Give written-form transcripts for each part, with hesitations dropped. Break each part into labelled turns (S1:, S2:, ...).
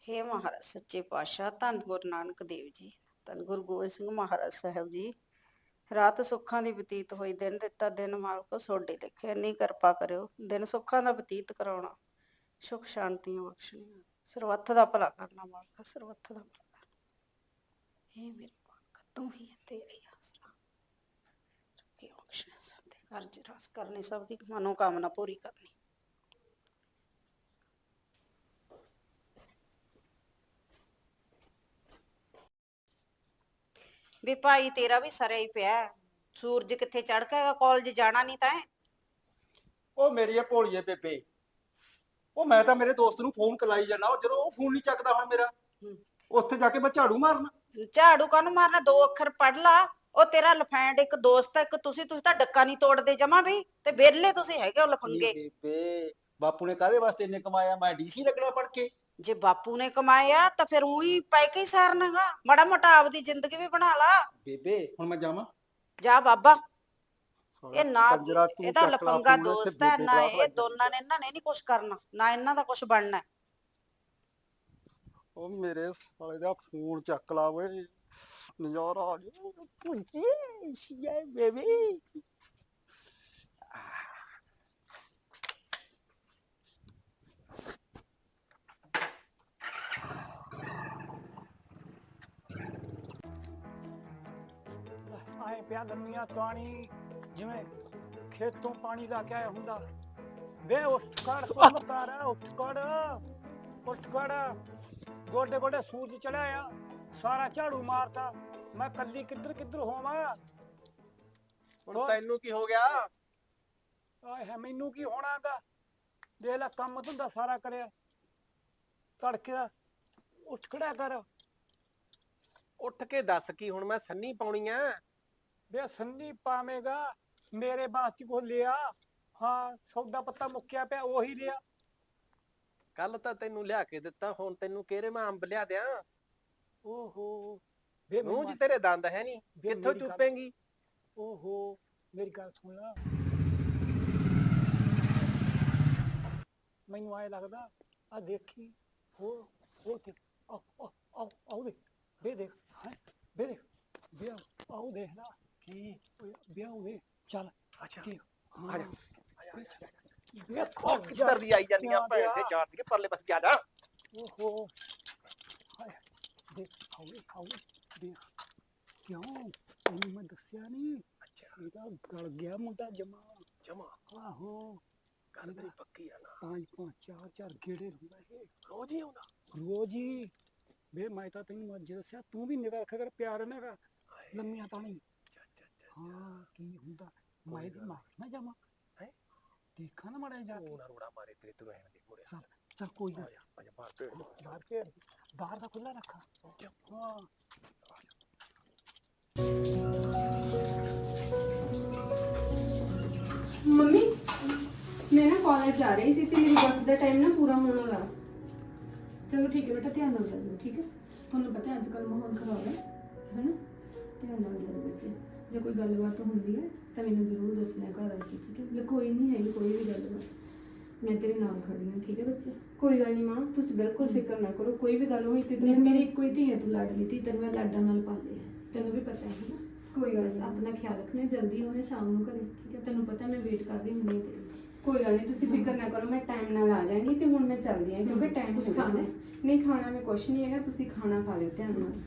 S1: हे महाराज सच्चे पातशाह धन गुरु नानक देव जी धन गुरु गोबिंद सिंह महाराज साहब जी रात सुखां ਦੀ ਬਤੀਤ ਹੋਈ ਦਿਨ ਦਿੱਤਾ ਦਿਨ ਮਾਲਕੋ ਸੋਡੇ ਲਿਖੇ ਇੰਨੀ ਕਿਰਪਾ ਕਰਿਓ ਦਿਨ ਸੁੱਖਾਂ ਦਾ ਬਤੀਤ ਕਰਾਉਣਾ ਸੁਖ ਸ਼ਾਂਤੀਆਂ ਬਖਸ਼ਣੀਆਂ ਸਰਬੱਤ ਦਾ ਭਲਾ ਕਰਨਾ ਮਾਲਕਾ ਸਰਬੱਤ ਦਾ ਭਲਾ ਕਰਨਾ ਇਹ ਮੇਰੇ ਮਾਲਕਾ ਤੂੰ ਹੀ ਹੈ ਤੇਰੀ ਆਸਰਾ ਕੀ ਬਖਸ਼ਣਾ ਸਭ ਦੇ ਕਾਰਜ ਰਾਸ ਕਰਨੇ ਸਭ ਦੀ ਮਨੋ ਕਾਮਨਾ ਪੂਰੀ ਕਰਨੀ ਵੀ ਭਾਈ ਤੇਰਾ ਵੀ ਸਰਿਆ ਹੀ ਪਿਆ ਸੂਰਜ ਕਿੱਥੇ ਚੜ ਕੇ ਕਾਲਜ ਜਾਣਾ ਨਹੀਂ ਤਾਂ
S2: ਉਹ ਮੇਰੀ ਭੋਲੀਏ ਬੇਬੇ ਉਹ ਮੈਂ ਤਾਂ ਮੇਰੇ ਦੋਸਤ ਨੂੰ ਫੋਨ ਕਲਾਈ ਜਾਣਾ ਉਹ ਜਦੋਂ ਉਹ ਫੋਨ ਨਹੀਂ ਚੱਕਦਾ ਹੁਣ ਮੇਰਾ ਉੱਥੇ ਜਾ ਕੇ ਮੈਂ ਝਾੜੂ ਮਾਰਨਾ
S1: ਝਾੜੂ ਕਾਹਨੂੰ ਮਾਰਨਾ ਦੋ ਅੱਖਰ ਪੜ ਲਾ ਉਹ ਤੇਰਾ ਲਫੈਂਡ ਇੱਕ ਦੋਸਤ ਹੈ ਇੱਕ ਤੁਸੀਂ ਤਾਂ ਡੱਕਾ ਨਹੀਂ ਤੋੜਦੇ ਜਮਾ ਵੀ ਤੇ ਵਿਹਲੇ ਤੁਸੀਂ ਹੈਗੇ ਉਹ ਲਫੰਗੇ
S2: ਬੇਬੇ ਬਾਪੂ ਨੇ ਕਾਹਦੇ ਵਾਸਤੇ ਇੰਨੇ ਕਮਾਇਆ ਮੈਂ ਡੀਸੀ ਲੱਗਣਾ ਪੜ ਕੇ
S1: ਜੇ ਬਾਪੂ ਨੇ ਕਮਾਇਆ ਤਾਂ ਫਿਰ ਉਹੀ ਪੈ ਕੇ ਹੀ ਸਾਰਨਾਗਾ ਮਾੜਾ ਮੋਟਾ ਆਪਦੀ ਜ਼ਿੰਦਗੀ ਵੀ ਬਣਾ ਲਾ
S2: ਬੇਬੇ ਹੁਣ ਮੈਂ ਜਾਵਾਂ
S1: ਜਾ ਬਾਬਾ ਇਹ ਨਾ
S2: ਕੰਜਰਾ ਤੂੰ
S1: ਇਹਦਾ
S2: ਚੱਕ ਲਾ
S1: ਲਫੰਗਾ
S2: ਫੋਨ, ਇੱਥੇ
S1: ਦੋਸਤ ਹੈ
S2: ਬੇਬੇ
S1: ਨਾ
S2: ਕਲਾਸ
S1: ਇਹ
S2: ਲੱਗ
S1: ਦੋਨਾਂ ਨੇ ਇਹਨਾਂ ਨੇ ਨਹੀਂ ਕੁਝ ਕਰਨਾ ਨਾ ਇਹਨਾਂ ਦਾ ਕੁਝ ਬਣਨਾ
S2: ਉਹ ਮੇਰੇ ਸਾਲੇ ਦਾ ਫੋਨ ਚੱਕ ਲਾ ਓਏ ਨਜ਼ਾਰਾ ਆ ਗਿਆ ਪੁੱਜੀ ਸ਼ੀਏ ਬੇਬੀ
S3: ਆਏ ਪਿਆ ਲੰਮੀਆਂ ਪਾਣੀ ਜਿਵੇਂ ਖੇਤੋਂ ਪਾਣੀ ਲਾ ਕੇ ਆਇਆ ਹੁੰਦਾ ਵੇ ਉੱਠ ਖੜ ਕੋਲਤਾਰ ਉੱਠ ਖੜ ਗੋਡੇ ਗੋਡੇ ਸੂਰਜ ਚੜਾਇਆ ਸਾਰਾ ਝਾੜੂ ਮਾਰਤਾ ਮੈਂ ਕੱਲੀ ਕਿੱਧਰ ਹੋਵਾਂ
S2: ਹੁਣ ਤੈਨੂੰ ਕੀ ਹੋ ਗਿਆ
S3: ਆਏ ਹੈ ਮੈਨੂੰ ਕੀ ਹੋਣਾਗਾ ਦੇਖ ਲੈ ਕੰਮ ਧੰਦਾ ਸਾਰਾ ਕਰਿਆ ਤੜਕੇ ਦਾ ਉੱਠ ਖੜਿਆ ਕਰ
S4: ਉੱਠ ਕੇ ਦੱਸ ਕੀ ਹੁਣ ਮੈਂ ਸੰਨੀ ਪਾਉਣੀ ਆ
S3: ਵੇ ਸੰਨੀ ਪਾਵੇਂਗਾ ਮੇਰੇ ਬਾਸਤੀ ਕੋ ਲਿਆ ਹਾਂ ਸੌਦਾ ਪੱਤਾ ਮੁੱਕਿਆ ਪਿਆ ਉਹੀ ਲਿਆ
S4: ਕੱਲ ਤਾਂ ਤੈਨੂੰ ਲਿਆ ਕੇ ਦਿੱਤਾ ਹੁਣ ਤੈਨੂੰ ਕਿਹੜੇ ਮੈਂ ਅੰਬ ਲਿਆ ਦਿਆਂ
S3: ਓਹੋ ਵੇ
S4: ਮੂੰਹ 'ਚ ਤੇਰੇ ਦੰਦ ਹੈ ਨਹੀਂ
S3: ਵੇ
S4: ਕਿੱਥੋਂ
S3: ਮੇਰੀ ਗੱਲ-
S4: ਚੁੱਪੇਂਗੀ
S3: ਓਹੋ ਮੇਰੀ ਗੱਲ ਸੁਣ ਲਾ ਮੈਨੂੰ ਆਏ ਲੱਗਦਾ ਆ ਦੇਖੀ ਹੋ ਤੇ ਆਓ ਦੇਖ ਦੇਖ ਹੈ ਦੇਖ ਵਿਆਹ ਆਓ ਦੇਖ ਲਾ ਕੀ ਵਿਆਹ ਹੋਵੇ ਚੱਲ
S4: ਅੱਛਾ
S3: ਕੀ
S4: ਆ ਜਾ
S3: ਵਿਆਹ
S4: ਕਿੱਧਰ ਦੀ ਆਈ ਜਾਂਦੀਆਂ ਭੈਣ ਦੇ ਜਾਤ ਦੀ ਪਰਲੇ ਪਾਸੇ ਆ ਜਾ
S3: ਓਹੋ ਹਾਏ ਦੇਖ ਆਓ ਦੇਖ ਕਿਉਂ ਇਹਨੂੰ ਮੈਂ ਦੱਸਿਆ ਨਹੀਂ
S4: ਅੱਛਾ
S3: ਇਹਦਾ ਗਲ ਗਿਆ ਮੁੰਡਾ ਜਮਾ
S4: ਜਮਾ
S3: ਆਹੋ
S4: ਗੱਲ ਤੇਰੀ ਪੱਕੀ ਆ ਨਾ
S3: ਪੰਜ ਚਾਰ ਗੇੜੇ ਹੁੰਦਾ ਇਹ
S4: ਰੋਜ਼ ਹੀ ਆਉਂਦਾ
S3: ਰੋਜ਼ ਹੀ ਵੇ ਮੈਂ ਤਾਂ ਤੈਨੂੰ ਅੱਜ ਦੱਸਿਆ ਤੂੰ ਵੀ ਨਿਗਾਹ ਰੱਖਿਆ ਕਰ ਪਿਆਰ ਨੇਗਾ ਲੰਮੀਆਂ ਤਾਂ ਨਹੀਂ ਹਾਂ ਕੀ ਹੁੰਦਾ ਮੈਂ ਇਹਦੀ ਮਾਰ ਨਾ ਜਾਵਾਂ
S4: ਹੈਂ?
S3: ਦੇਖਾਂ ਨਾ ਮਾੜਾ ਜਾ ਕੇ
S4: ਉਹ ਨਾ ਰੋੜਾ ਮਾਰੇ ਤੇਰੇ ਤੋਂ ਰਹਿਣ ਦੇ ਮੁੜਿਆ
S3: ਚੱਲ ਕੋਈ ਨਾ
S4: ਆ ਜਾ ਬਾਹਰ ਭੇੜ
S3: ਬਾਹਰ ਕੇ ਬਾਹਰ ਦਾ ਖੁੱਲਾ ਰੱਖਾ ਹਾਂ
S5: ਮੰਮੀ ਮੈਂ ਨਾ ਕਾਲਜ ਜਾ ਰਹੀ ਸੀ ਤੇ ਮੇਰੀ ਬੱਸ ਦਾ ਟਾਈਮ ਨਾ ਪੂਰਾ ਹੋਣ ਵਾਲਾ ਚਲੋ ਠੀਕ ਹੈ ਬੇਟਾ ਧਿਆਨ ਨਾਲ ਜਾਇਓ ਠੀਕ ਹੈ ਤੁਹਾਨੂੰ ਪਤਾ ਅੱਜ ਕੱਲ੍ਹ ਮਾਹੌਲ ਖਰਾਬ ਹੈ ਹੈਨਾ ਧਿਆਨ ਨਾਲ ਜਾਇਓ ਬੱਚੇ ਜੇ ਕੋਈ ਗੱਲਬਾਤ ਹੁੰਦੀ ਹੈ ਤਾਂ ਮੈਨੂੰ ਜ਼ਰੂਰ ਦੱਸਣਾ ਘਰ ਆ ਕੇ ਠੀਕ ਹੈ ਜੇ ਕੋਈ ਨਹੀਂ ਹੈਗੀ ਕੋਈ ਵੀ ਗੱਲਬਾਤ ਮੈਂ ਤੇਰੇ ਨਾਲ ਖੜੀ ਹਾਂ ਠੀਕ ਹੈ ਬੱਚੇ ਕੋਈ ਗੱਲ ਨਹੀਂ ਮਾਂ ਤੁਸੀਂ ਬਿਲਕੁਲ ਫਿਕਰ ਨਾ ਕਰੋ ਕੋਈ ਵੀ ਗੱਲ ਹੋਈ ਤੇ ਮੇਰੀ ਇੱਕੋ ਹੀ ਧੀ ਹੈ ਤੂੰ ਲਾਡਲੀ ਧੀ ਤੈਨੂੰ ਮੈਂ ਲਾਡਾਂ ਨਾਲ ਪਾਲੀ ਹੈ ਤੈਨੂੰ ਵੀ ਪਤਾ ਹੈ ਨਾ ਕੋਈ ਗੱਲ ਨਹੀਂ ਆਪਣਾ ਖਿਆਲ ਰੱਖਣਾ ਜਲਦੀ ਹੋਣੇ ਸ਼ਾਮ ਨੂੰ ਘਰੇ ਠੀਕ ਹੈ ਤੈਨੂੰ ਪਤਾ ਮੈਂ ਵੇਟ ਕਰ ਰਹੀ ਹੁੰਦੀ ਤੇਰੀ ਕੋਈ ਗੱਲ ਨਹੀਂ ਤੁਸੀਂ ਫਿਕਰ ਨਾ ਕਰੋ ਮੈਂ ਟਾਈਮ ਨਾਲ ਆ ਜਾਵਾਂਗੀ ਤੇ ਹੁਣ ਮੈਂ ਚੱਲਦੀ ਹਾਂ ਕਿਉਂਕਿ ਟਾਈਮ ਕੁਝ ਖਾਣਾ ਨਹੀਂ ਖਾਣਾ ਮੈਂ ਕੁਝ ਨਹੀਂ ਹੈਗਾ ਤੁਸੀਂ ਖਾਣਾ ਖਾ ਲਿਓ ਧਿਆਨ ਨਾਲ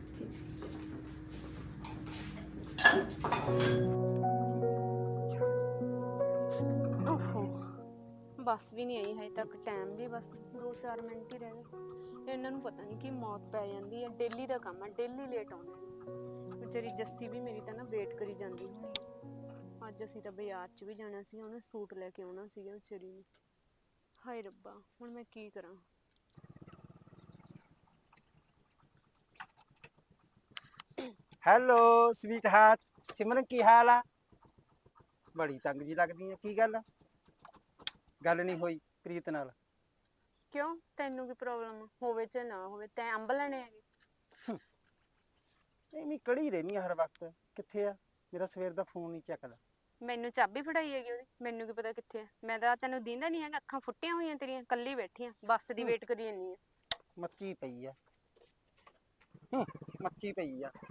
S6: ਓਹੋ ਬੱਸ ਵੀ ਨਹੀਂ ਆਈ ਹਜੇ ਤੱਕ ਟਾਈਮ ਵੀ ਬਸ 2-4 ਮਿੰਟ ਹੀ ਰਹਿ ਗਏ ਇਹਨਾਂ ਨੂੰ ਪਤਾ ਨਹੀਂ ਕਿ ਮੌਤ ਪੈ ਜਾਂਦੀ ਹੈ ਡੇਲੀ ਦਾ ਕੰਮ ਹੈ ਡੇਲੀ ਲੇਟ ਆਉਂਦੇ ਨੇ ਵਿਚਾਰੀ ਜੱਸੀ ਵੀ ਮੇਰੀ ਤਾਂ ਨਾ ਵੇਟ ਕਰੀ ਜਾਂਦੀ ਹੋਣੀ ਅੱਜ ਅਸੀਂ ਤਾਂ ਬਾਜ਼ਾਰ 'ਚ ਵੀ ਜਾਣਾ ਸੀ ਉਹਨੇ ਸੂਟ ਲੈ ਕੇ ਆਉਣਾ ਸੀਗਾ ਵਿਚਾਰੀ ਨੂੰ ਹਾਏ ਰੱਬਾ ਹੁਣ ਮੈਂ ਕੀ ਕਰਾਂ
S4: ਹੈਲੋ ਸਵੀਟ ਹਾਰਟ ਸਿਮਰਨ ਕੀ ਹਾਲ ਆ ਬੜੀ ਤੰਗ ਜੀ ਲੱਗਦੀ ਆ ਕੀ ਗੱਲ ਨਹੀਂ ਹੋਈ ਪ੍ਰੀਤ ਨਾਲ
S6: ਕਿਉਂ ਤੈਨੂੰ ਕੀ ਪ੍ਰੋਬਲਮ ਹੋਵੇ ਚਾਹੇ ਨਾ ਹੋਵੇ ਤੈਂ ਅੰਬ ਲੈਣੇ ਹੈਗੇ
S4: ਐਵੇਂ ਕੜੀ ਰਹਿਨੀ ਆ ਹਰ ਵਕਤ ਕਿੱਥੇ ਆ ਮੇਰਾ ਸਵੇਰ ਦਾ ਫੋਨ ਨਹੀਂ ਚੱਕਦਾ
S6: ਮੈਨੂੰ ਚਾਬੀ ਫੜਾਈ ਹੈਗੀ ਉਹਦੀ ਮੈਨੂੰ ਕੀ ਪਤਾ ਕਿੱਥੇ ਆ ਮੈਂ ਤਾਂ ਤੈਨੂੰ ਦੀਂਦਾ ਨਹੀਂ ਹੈਗਾ ਅੱਖਾਂ ਫੁੱਟੀਆਂ ਹੋਈਆਂ ਤੇਰੀਆਂ ਕੱਲੀ ਬੈਠੀ ਆ ਬੱਸ ਦੀ ਵੇਟ ਕਰੀ ਜਾਂਦੀ ਆ
S4: ਮੱਚੀ ਪਈ ਆ ਮੱਚੀ ਪਈ ਆ।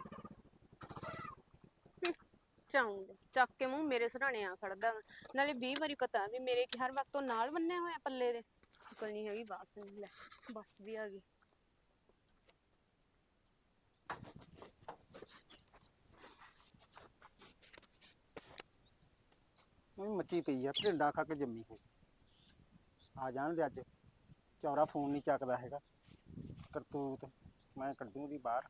S6: ਚਾਉਂਦੇ ਚੱਕ ਕੇ ਮੂੰਹ ਮੇਰੇ ਸਰਾਣੇ ਆ ਖੜਦਾ ਵਾ। ਨਾਲੇ 20 ਵਾਰੀ ਪਤਾ ਵੀ ਮੇਰੇ ਕੀ ਹਰ ਵਕਤ ਉਹ ਨਾਲ ਬੰਨਿਆ ਹੋਇਆ ਪੱਲੇ ਦੇ। ਅਕਲ ਨਹੀਂ ਹੈਗੀ ਬਾਸ ਨਹੀਂ। ਲੈ ਬੱਸ ਵੀ ਆ ਗਈ।
S4: ਉਹ ਵੀ ਮੱਚੀ ਪਈ ਆ, ਢਿੰਡਾ ਖਾ ਕੇ ਜੰਮੀ ਹੋ। ਆ ਜਾਣ ਦੇ ਅੱਜ। ਚੌਰਾ ਫੋਨ ਨਹੀਂ ਚੱਕਦਾ ਹੈਗਾ। ਕਰਤੂਤ ਮੈਂ ਕੱਢੂ ਦੀ ਬਾਹਰ।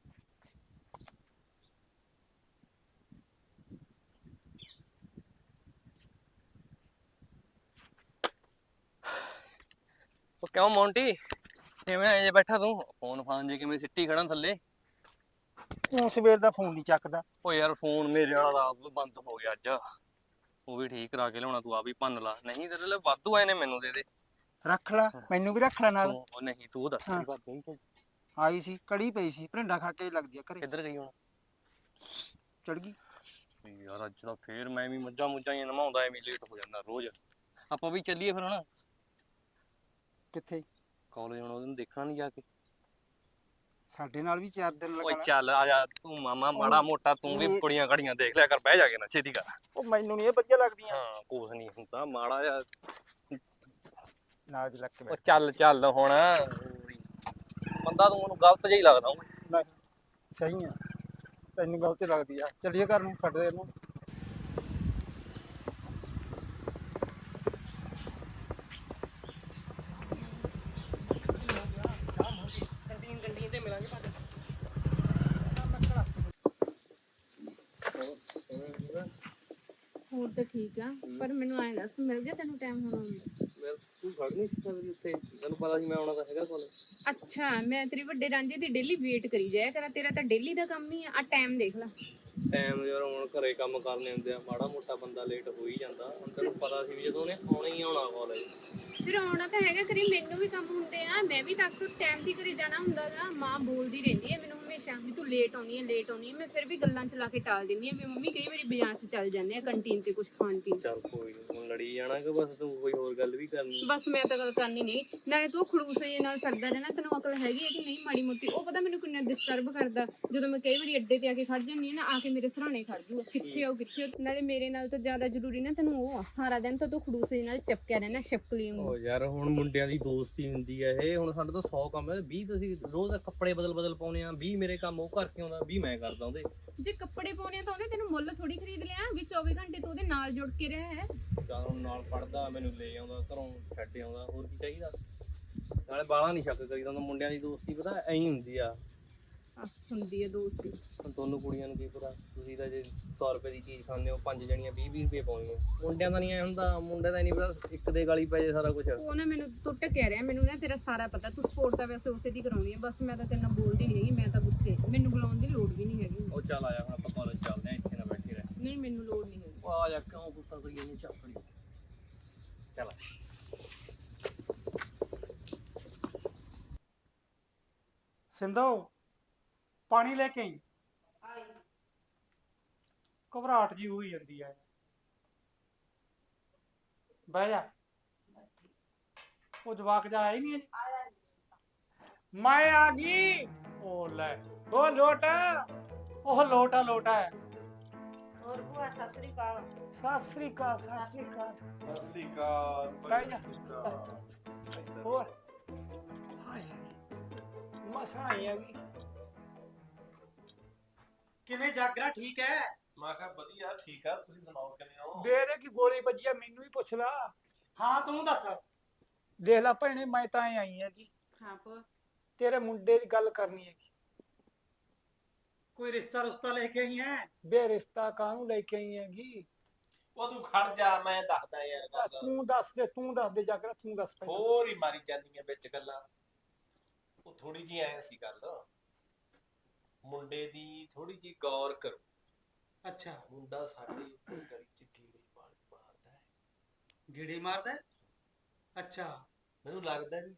S7: ਉਹ ਕਿਉਂ ਮੌਂਟੀ ਕਿਵੇਂ ਐ ਜੇ ਬੈਠਾ ਤੂੰ ਫੋਨ ਫਾਨ ਜੇ ਕਿਵੇਂ ਸਿੱਟੀ ਖੜਾ ਥੱਲੇ।
S4: ਤੂੰ ਸਵੇਰ ਦਾ ਫੋਨ ਨਹੀਂ ਚੱਕਦਾ।
S7: ਓ ਯਾਰ ਫੋਨ ਮੇਰੇ ਵਾਲਾ ਦਾ ਆਪ ਬੰਦ ਹੋ ਗਿਆ ਅੱਜ। ਉਹ ਵੀ ਠੀਕ ਕਰਾ ਕੇ ਲਿਆਉਣਾ, ਤੂੰ ਆ ਵੀ ਭੰਨ ਲਾ। ਨਹੀਂ ਤੇਰੇ ਲਈ ਵਾਧੂ ਆਏ ਨੇ, ਮੈਨੂੰ ਦੇ ਦੇ।
S4: ਰੱਖ ਲੈ, ਮੈਨੂੰ ਵੀ ਰੱਖ ਲੈ ਨਾਲ।
S7: ਉਹ ਨਹੀਂ ਤੂੰ ਦੱਸ
S4: ਹਾਂ।
S7: ਕੀ ਬਾਤ ਹੋਈ?
S4: ਆਈ ਸੀ, ਕੜੀ ਪਈ ਸੀ, ਢਿੰਡਾ ਖਾ ਕੇ ਲੱਗਦੀ ਆ ਘਰੇ।
S7: ਕਿੱਧਰ ਗਈ ਹੁਣ?
S4: ਚੜ ਗਈ।
S7: ਯਾਰ ਅੱਜ ਤਾਂ ਫੇਰ ਮੈਂ ਵੀ ਮੱਝਾਂ ਮੁੱਝਾਂ ਹੀ ਨਮਾਉਂਦਾ, ਐਵੇਂ ਲੇਟ ਹੋ ਜਾਂਦਾ ਰੋਜ਼। ਆਪਾਂ ਵੀ ਚੱਲੀਏ ਫਿਰ ਹੁਣ
S4: ਕਿੱਥੇ?
S7: ਕਾਲਜ। ਹੁਣ ਉਹਨੂੰ ਦੇਖਣਾ ਨਹੀਂ ਜਾ ਕੇ?
S4: ਸਾਡੇ ਨਾਲ ਵੀ 4 ਦਿਨ
S7: ਓਏ
S4: ਲਗਾ।
S7: ਚੱਲ ਆ ਜਾ ਤੂੰ ਮਾਮਾ, ਮਾੜਾ ਮੋਟਾ ਤੂੰ ਵੀ ਕੁੜੀਆਂ ਘੜੀਆਂ ਦੇਖ ਲਿਆ ਕਰ, ਬਹਿ ਜਾ ਕੇ ਨਾ ਛੇਤੀ ਕਰ।
S4: ਉਹ ਮੈਨੂੰ ਨਹੀਂ ਇਹ ਵਧੀਆ ਲੱਗਦੀਆਂ।
S7: ਹਾਂ ਕੁਛ ਨਹੀਂ ਹੁੰਦਾ, ਮਾੜਾ ਜਿਹਾ
S4: ਨਾਲ ਦੀ ਲੱਗ ਕੇ
S7: ਉਹ
S4: ਬੈਠ।
S7: ਚੱਲ ਚੱਲ ਹੁਣ। ਬੰਦਾ ਤੂੰ ਮੈਨੂੰ ਗਲਤ ਜਿਹਾ ਹੀ ਲੱਗਦਾ ਓਏ।
S4: ਨਹੀਂ ਸਹੀ ਆ, ਤੈਨੂੰ ਗਲਤ ਲੱਗਦੀ ਆ। ਚੱਲੀਏ ਘਰ ਨੂੰ, ਛੱਡ ਦੇ ਇਹਨੂੰ।
S5: ਹੋਰ ਤਾਂ ਠੀਕ ਆ, ਪਰ ਮੈਨੂੰ ਐਂ ਦੱਸ ਮਿਲ ਗਿਆ ਤੈਨੂੰ ਟਾਈਮ ਹੁਣ ਆਉਣ ਦਾ?
S7: ਤੂੰ ਖੜ ਨਹੀਂ ਸਕਦੀ ਉੱਥੇ, ਤੈਨੂੰ ਪਤਾ ਸੀ ਮੈਂ ਆਉਣਾ ਤਾਂ ਹੈਗਾ ਕੋਲ।
S5: ਅੱਛਾ, ਮੈਂ ਤੇਰੇ ਵੱਡੇ ਰਾਂਝੇ ਦੀ ਡੇਲੀ ਵੇਟ ਕਰੀ ਜਾਇਆ ਕਰਾਂ। ਤੇਰਾ ਤਾਂ ਡੇਲੀ ਦਾ ਕੰਮ ਹੀ ਆ ਟਾਈਮ ਦੇਖ ਲੈ।
S7: ਟਾਈਮ ਯਾਰ ਹੁਣ ਘਰੇ ਕੰਮ ਕਰਨੇ ਹੁੰਦੇ ਆ, ਮਾੜਾ ਮੋਟਾ ਬੰਦਾ ਲੇਟ ਹੋ ਹੀ ਜਾਂਦਾ। ਹੁਣ ਤੈਨੂੰ ਪਤਾ ਸੀ ਵੀ ਜਦੋਂ ਉਹਨੇ ਆਉਣਾ ਹੀ ਆਉਣਾ ਕਾਲਜ।
S5: ਫਿਰ ਆਉਣਾ ਤਾਂ ਹੈਗਾ, ਕਰੀ ਮੈਨੂੰ ਵੀ ਕੰਮ ਹੁੰਦੇ ਆ। ਮੈਂ ਵੀ ਤਾਂ ਅਕਸਰ ਟਾਈਮ ਦੀ ਘਰੇ ਜਾਣਾ ਹੁੰਦਾ ਗਾ। ਮਾਂ ਬੋਲਦੀ ਰਹਿੰਦੀ ਹੈ ਮੈਨੂੰ ਹਮੇਸ਼ਾ ਵੀ ਤੂੰ ਲੇਟ ਆਉਣੀ ਹੈ, ਲੇਟ ਆਉਣੀ ਹੈ। ਮੈਂ ਫਿਰ ਵੀ ਗੱਲਾਂ ਚਲਾ ਕੇ ਟਾਲ ਦਿੰਦੀ ਆ ਵੀ ਮੰਮੀ ਕਈ ਵਾਰੀ ਬਾਜ਼ਾਰ 'ਚ ਚੱਲ ਜਾਂਦੇ ਆ ਕੰਟੀਨ ਤੇ ਕੁਝ ਖਾਣ ਪੀਣ।
S7: ਚੱਲ ਕੋਈ ਨੀ, ਹੁਣ ਲੜੀ ਜਾਣਾ ਕਿ ਬਸ ਤੂੰ ਕੋਈ ਹੋਰ ਗੱਲ ਵੀ ਕਰਨੀ?
S5: ਬਸ ਮੈਂ ਤਾਂ ਗੱਲ ਕਰਨੀ ਨਹੀਂ। ਨਾਲੇ ਤੂੰ ਖੜੂਸ ਜੇ ਨਾਲ ਕਰਦਾ ਰਹਿਣਾ, ਤੈਨੂੰ ਅਕਲ ਹੈਗੀ ਹੈ ਕਿ ਨਹੀਂ ਮਾੜੀ ਮੋਟੀ? ਉਹ ਪਤਾ ਮੈਨੂੰ ਕਿੰਨਾ ਡਿਸਟਰਬ ਕਰਦਾ ਜਦੋਂ ਮੈਂ ਕਈ ਵਾਰੀ ਅੱਡੇ ਤੇ ਆ ਕੇ ਖੜ ਜਾਂਦੀ ਹਾਂ ਨਾ, ਆ ਕੇ ਮੇਰੇ ਸਰਾਣੇ ਖੜ ਜੂਗਾ, ਕਿੱਥੇ ਹੋ ਕਿੱਥੇ ਹੋ। ਨਾਲੇ ਮੇਰੇ ਨਾਲ ਤਾਂ ਜ਼ਿਆਦਾ ਜ਼ਰੂਰੀ ਨਾ ਤੈਨੂੰ ਉਹ ਆ, ਸਾਰਾ ਦਿਨ ਤਾਂ ਤੂੰ ਖੜੂਸ ਜੇ ਨਾਲ ਚਪਕਿਆ ਰਹਿਣਾ ਛਪਕਲੀ ਵਾਂਗੂ।
S7: ਓ ਯਾਰ ਹੁਣ ਮੁੰਡਿਆਂ ਦੀ ਦੋਸਤੀ ਹੁੰਦੀ ਹੈ ਇਹ। ਹੁਣ ਸਾਡੇ ਤੋਂ 100 ਕੰਮ ਹੈ, 20 ਤੁਸੀਂ ਰੋਜ਼ ਕੱਪੜੇ ਬਦਲ ਪਾਉਣੇ ਆ, 20 ਮੇਰੇ ਕੰਮ ਉਹ ਕਰਕੇ ਆਉਂਦਾ, 20 ਮੈਂ ਕਰਦਾ ਉਹਦੇ।
S5: ਜੇ ਕੱਪੜੇ ਪਾਉਣੇ ਆ ਤਾਂ ਉਹਨੇ ਤੈਨੂੰ ਮੁੱਲ ਥੋੜੀ ਖਰੀਦ ਲਿਆ ਵੀ 24 ਘੰਟੇ ਤੂੰ ਉਹਦੇ ਨਾਲ ਜੁੜ ਕੇ ਰਿਹਾ ਹੈ।
S7: ਚੱਲ ਹੁਣ ਨਾਲ ਪੜਦਾ, ਮੈਨੂੰ ਲੈ ਆਉਂਦਾ ਘਰੋਂ, ਛੱਡ ਆਉਂਦਾ, ਹੋਰ ਕੀ ਚਾਹੀਦਾ। ਨਾਲੇ ਬਾਹਲਾ ਨਹੀਂ ਸ਼ੱਕ ਕਰੀਦਾ ਹੁੰਦਾ, ਮੁੰਡਿਆਂ ਦੀ ਦੋਸਤੀ ਪਤਾ ਐਂ ਹੁੰਦੀ ਆ।
S5: ਹੁੰਦੀ ਹੈ ਦੋਸਤੀ।
S7: ਹੁਣ ਤੁਹਾਨੂੰ ਕੁੜੀਆਂ ਨੂੰ ਕੀ ਪਤਾ, ਤੁਸੀਂ ਤਾਂ ਜੇ 100 ਰੁਪਏ ਦੀ ਚੀਜ਼ ਖਾਂਦੇ ਹੋ, 5 ਜਣੀਆਂ 20-20 ਰੁਪਏ ਪਾਉਣੀਆਂ। ਮੁੰਡਿਆਂ ਦਾ ਨਹੀਂ ਐ ਹੁੰਦਾ, ਮੁੰਡਿਆਂ ਦਾ ਨਹੀਂ ਪਤਾ ਇੱਕ ਦੇ ਗਾਲੀ ਪੈ ਜੇ ਸਾਰਾ ਕੁਝ।
S5: ਉਹ ਨਾ ਮੈਨੂੰ ਤੂੰ ਟਕਿਆ ਰਿਹਾ, ਮੈਨੂੰ ਨਾ ਤੇਰਾ ਸਾਰਾ ਪਤਾ। ਤੂੰ ਸਪੋਰਟ ਤਾਂ ਵੈਸੇ ਉਸੇ ਦੀ ਕਰਾਉਣੀ ਹੈ। ਬਸ ਮੈਂ ਤਾਂ ਤੇਰੇ ਨਾਲ ਬੋਲਦੀ ਨਹੀਂ ਹੈਗੀ, ਮੈਂ ਤਾਂ ਗੁੱਸੇ, ਮੈਨੂੰ ਬੁਲਾਉਣ ਦੀ ਲੋੜ ਵੀ ਨਹੀਂ ਹੈਗੀ।
S7: ਉਹ ਚੱਲ ਆਇਆ ਹੁਣ ਆਪਾਂ ਕਾਲਜ ਚੱਲਦੇ ਆ, ਇੱਥੇ ਨਾ ਬੈਠੇ ਰਹਿ।
S5: ਨਹੀਂ ਮੈਨੂੰ ਲੋੜ ਨਹੀਂ ਹੈਗੀ।
S7: ਉਹ ਆ ਜਾ, ਕਿਉਂ ਗੁੱਸਾ ਕਰੀ ਜਾਂਦੀ ਚੱਕੜੀ। ਚੱਲ
S3: ਸਿੰਧੂ ਪਾਣੀ ਲੈ ਕੇ ਆਈ। ਘਬਰਾਹਟ ਜੀ ਹੋਈ ਜਾਂਦੀ ਹੈ। ਬਹਿ ਜਾ। ਉਹ ਜਵਾਕ ਜਾ ਆਇਆ ਹੀ ਨਹੀਂ ਅਜੇ। ਮੈਂ ਆ ਗਈ। ਉਹ ਲੈ, ਉਹ ਲੋਟਾ, ਉਹ ਲੋਟਾ ਲੋਟਾ ਹੈ।
S1: ਹੋਰ ਭੂਆ ਸਤਿ ਸ੍ਰੀ ਅਕਾਲ।
S3: ਸਤਿ ਸ੍ਰੀ ਅਕਾਲ, ਸਤਿ ਸ੍ਰੀ ਅਕਾਲ।
S2: ਸਤਿ ਸ੍ਰੀ ਅਕਾਲ।
S3: ਬਹਿ ਜਾ। ਹੋਰ ਹਾਏ ਮਸਾਂ ਆਈ ਆ ਗਈ। ਕਿਵੇਂ ਜਾਗਰਾ ਠੀਕ ਹੈ?
S2: ਮੈਂ ਕਿਹਾ ਵਧੀਆ ਠੀਕ ਆ, ਤੁਸੀਂ ਸੁਣਾਓ ਕਿਵੇਂ ਹੋ?
S3: ਬੇਰੇ ਕੀ ਗੋਲੀ ਵੱਜੀ ਆ, ਮੈਨੂੰ ਵੀ ਪੁੱਛ ਲਾ।
S2: ਹਾਂ ਤੂੰ ਦੱਸ।
S3: ਦੇਖ ਲੈ ਭੈਣੇ, ਮੈਂ ਤਾਂ ਆਈ ਹੈਗੀ,
S1: ਹਾਂ ਭੂਆ।
S3: ਤੇਰੇ ਮੁੰਡੇ ਦੀ ਗੱਲ ਕਰਨੀ ਹੈਗੀ।
S2: ਕੋਈ ਰਿਸ਼ਤਾ ਰੁਸ਼ਤਾ ਲੈ ਕੇ ਆਈ ਹੈ?
S3: ਬੇ ਰਿਸ਼ਤਾ ਕਾਹਨੂੰ ਲੈ ਕੇ ਆਈ ਹੈਗੀ?
S8: ਉਹ ਤੂੰ ਖੜ ਜਾ, ਮੈਂ ਦੱਸਦਾ ਯਾਰ ਗੱਲ।
S3: ਤੂੰ ਦੱਸ ਦੇ, ਤੂੰ ਦੱਸ ਦੇ ਜਾਗਰਾ, ਤੂੰ ਦੱਸ ਪਹਿਲਾਂ।
S8: ਹੋਰ ਹੀ ਮਾਰੀ ਜਾਂਦੀਆਂ ਵਿੱਚ ਗੱਲਾਂ। ਉਹ ਥੋੜੀ ਜਿਹੀ ਐ ਸੀ ਗੱਲ, ਮੁੰਡੇ ਦੀ ਥੋੜੀ ਜਿਹੀ ਗੌਰ ਕਰੋ।
S2: ਅੱਛਾ,
S8: ਮੁੰਡਾ ਸਾਡੇ ਉੱਤੇ ਗਲੀ ਚ ਕੀੜੇ ਮਾਰਦਾ ਹੈ।
S2: ਗੇੜੇ ਮਾਰਦਾ ਹੈ? ਅੱਛਾ,
S8: ਮੈਨੂੰ ਲੱਗਦਾ ਵੀ